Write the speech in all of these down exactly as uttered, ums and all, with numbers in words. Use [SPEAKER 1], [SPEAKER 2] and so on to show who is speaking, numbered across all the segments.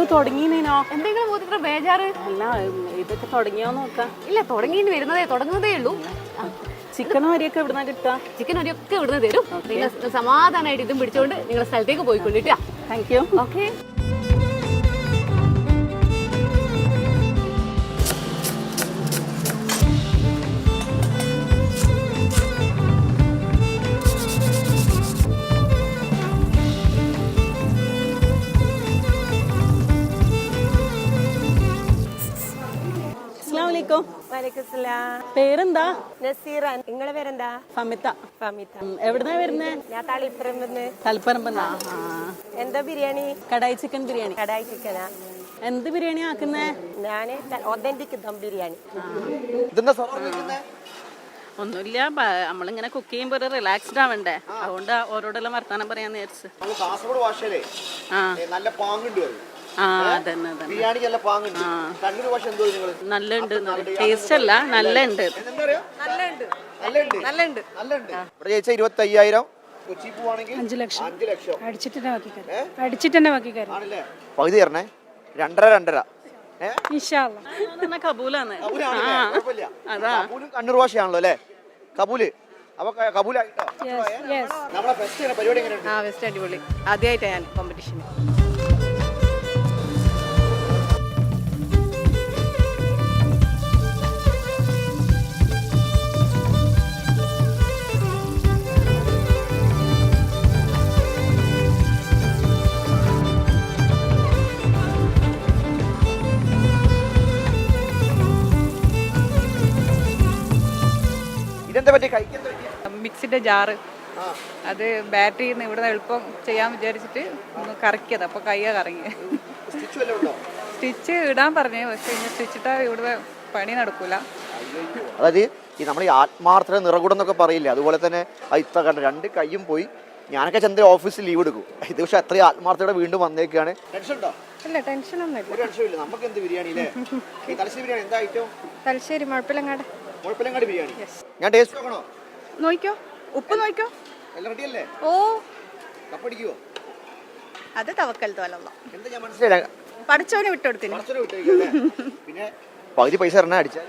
[SPEAKER 1] തുടങ്ങിനോ?
[SPEAKER 2] എന്തെങ്കിലും ഇത്ര ബേജാറ്?
[SPEAKER 1] അല്ല, ഇതൊക്കെ തുടങ്ങിയോ നോക്കാം.
[SPEAKER 2] ഇല്ല, തുടങ്ങി വരുന്നതേ തുടങ്ങുന്നതേ ഉള്ളൂ.
[SPEAKER 1] ചിക്കനും അരിയൊക്കെ എവിടുന്നാ കിട്ടുക?
[SPEAKER 2] ചിക്കൻ അരിയൊക്കെ ഇവിടുന്ന് തരും. നിങ്ങൾ സമാധാനമായിട്ട് ഇതും പിടിച്ചോണ്ട് നിങ്ങളുടെ സ്ഥലത്തേക്ക് പോയിക്കൊണ്ടിട്ടാ.
[SPEAKER 1] Thank you.
[SPEAKER 2] ഓക്കെ.
[SPEAKER 1] പേരെന്താ?
[SPEAKER 3] നസീറ. നിങ്ങളെ പേരെന്താ?
[SPEAKER 1] ഫമിത.
[SPEAKER 3] ഫമിത.
[SPEAKER 1] എവിടുന്നാ വരുന്നേ?
[SPEAKER 3] ഞാൻ തളിപ്പറമ്പ്.
[SPEAKER 1] തളിപ്പറമ്പെന്നാ?
[SPEAKER 3] എന്താ ബിരിയാണി?
[SPEAKER 1] കടായി ചിക്കൻ ബിരിയാണി.
[SPEAKER 3] കടായി ചിക്കനാ?
[SPEAKER 1] എന്ത് ബിരിയാണി ആക്കുന്നേ?
[SPEAKER 3] ഞാന് ഒതന്റിക് ദം ബിരിയാണി.
[SPEAKER 1] ഒന്നുമില്ല, നമ്മളിങ്ങനെ കുക്ക് ചെയ്യുമ്പോ ഒരു റിലാക്സ്ഡ് ആവണ്ടേ, അതുകൊണ്ട് ഓരോടെല്ലാം വർത്താനം പറയാന്ന് വിചാരിച്ചു. നല്ല ഉണ്ട്, ടേസ്റ്റ് അല്ല, നല്ല ഉണ്ട്.
[SPEAKER 4] ഇരുപത്തി അയ്യായിരം
[SPEAKER 5] അഞ്ചു ലക്ഷം അടിച്ചിട്ട് തന്നെ ബാക്കി അടിച്ചിട്ട് തന്നെ ബാക്കി
[SPEAKER 4] പകുതി തരണേ. രണ്ടര രണ്ടര
[SPEAKER 1] കബൂലാണ്.
[SPEAKER 4] കണ്ണൂർ ഭാഷയാണല്ലോ അല്ലേ? കബൂല്. അപ്പൊ കബൂലായിട്ടോ? നമ്മളെ ഫെസ്റ്റ് പരിപാടി എങ്ങനെയുണ്ട്?
[SPEAKER 6] ആ, ഫെസ്റ്റ് അടിപൊളി. ആദ്യമായിട്ടാണ് ഞാൻ കോമ്പറ്റീഷൻ. മിക്സിന്റെ ജാറ്, അത് ബാറ്ററി ഇവിടെ എളുപ്പം ചെയ്യാൻ വിചാരിച്ചിട്ട് ഒന്ന് കറക്കിയത്. അപ്പൊ കയ്യാ കറങ്ങി. സ്റ്റിച്ച് ഇടാൻ പറഞ്ഞു, പക്ഷെ സ്റ്റിച്ചിട്ടാ ഇവിടെ പണി നടക്കൂല.
[SPEAKER 4] അതായത് ഈ നമ്മൾ ഈ ആത്മാർത്ഥത നിറകൂടം എന്നൊക്കെ പറയില്ലേ, അതുപോലെ തന്നെ ഇത്ത കണ്ട രണ്ട് കയ്യും പോയി. ഞാനൊക്കെ ചന്ദ്ര ഓഫീസിൽ ലീവ് എടുക്കും. ഇത് പക്ഷെ അത്രയും ആത്മാർത്ഥതയോടെ വീണ്ടും വന്നേക്കാണ്.
[SPEAKER 5] ഇല്ല, ടെൻഷൻ ഒന്നുമില്ല.
[SPEAKER 4] നമുക്ക് എന്ത് ബിരിയാണി അല്ലേ? തലശ്ശേരി ബിരിയാണി എന്താ ഐറ്റം?
[SPEAKER 5] തലശ്ശേരി മുഴപ്പിലങ്ങാട്.
[SPEAKER 4] മുഴപ്പിലങ്ങാട് ബിരിയാണി. ഞാൻ ടേസ്റ്റ് നോക്കണോ?
[SPEAKER 6] നോക്കിക്കോ, ഉപ്പ് നോക്കിക്കോ.
[SPEAKER 4] എല്ലാം റെഡിയല്ലേ?
[SPEAKER 6] ഓ,
[SPEAKER 4] കപ്പടിക്കുവോ?
[SPEAKER 6] അത് തവക്കൽ തോലല്ല.
[SPEAKER 4] എന്താ ഞാൻ മനസ്സിലായി,
[SPEAKER 6] പഠിച്ചവനെ വിട്ടുകൊടുത്തിന്.
[SPEAKER 4] പിന്നെ പകുതി പൈസ തരണേ അടിച്ചാൽ.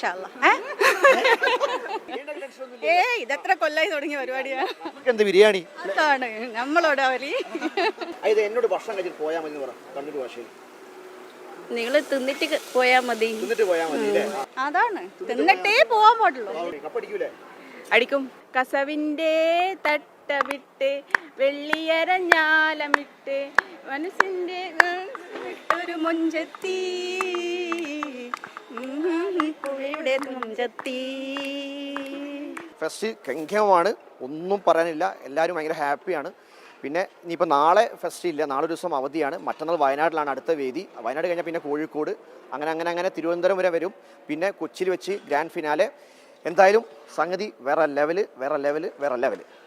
[SPEAKER 6] ഏ ഇതെത്ര കൊല്ലായി തുടങ്ങിയ പരിപാടിയാ.
[SPEAKER 4] എന്ത് ബിരിയാണി?
[SPEAKER 6] അതാണ് നമ്മളോട് അവര്.
[SPEAKER 4] എന്നോട് ഭക്ഷണം കഴിച്ചിട്ട് പോയാൽ മതി പറ കണ്ണൂർ ഭാഷയിൽ.
[SPEAKER 6] നിങ്ങള് തിന്നിട്ട് പോയാ മതി.
[SPEAKER 4] തിന്നിട്ട് പോയാ മതി.
[SPEAKER 6] അതാണ്, തിന്നിട്ടേ പോവാൻ പാടുള്ളൂ.
[SPEAKER 4] കപ്പടിക്കൂലേ?
[SPEAKER 6] അടിക്കും. കസവിന്റെ തട്ട വിട്ട് വെള്ളിയരഞ്ഞാലമിട്ട് മനസ്സിന്റെ ഒരു മുഞ്ചത്തി പുഴയുടെ മുഞ്ചത്തി.
[SPEAKER 4] ഫെസ്റ്റ് ഗംഭീരമാണ്, ഒന്നും പറയാനില്ല. എല്ലാവരും ഭയങ്കര ഹാപ്പിയാണ്. പിന്നെ ഇനിയിപ്പോൾ നാളെ ഫെസ്റ്റ് ഇല്ല, നാളെ ഒരു ദിവസം അവധിയാണ്. മറ്റന്നാൾ വയനാട്ടിലാണ് അടുത്ത വേദി. വയനാട് കഴിഞ്ഞാൽ പിന്നെ കോഴിക്കോട്, അങ്ങനെ അങ്ങനെ അങ്ങനെ തിരുവനന്തപുരം വരെ വരും. പിന്നെ കൊച്ചിയിൽ വെച്ച് ഗ്രാൻഡ് ഫിനാലെ. എന്തായാലും സംഗതി വേറെ ലെവല്, വേറെ ലെവല്, വേറെ ലെവല്.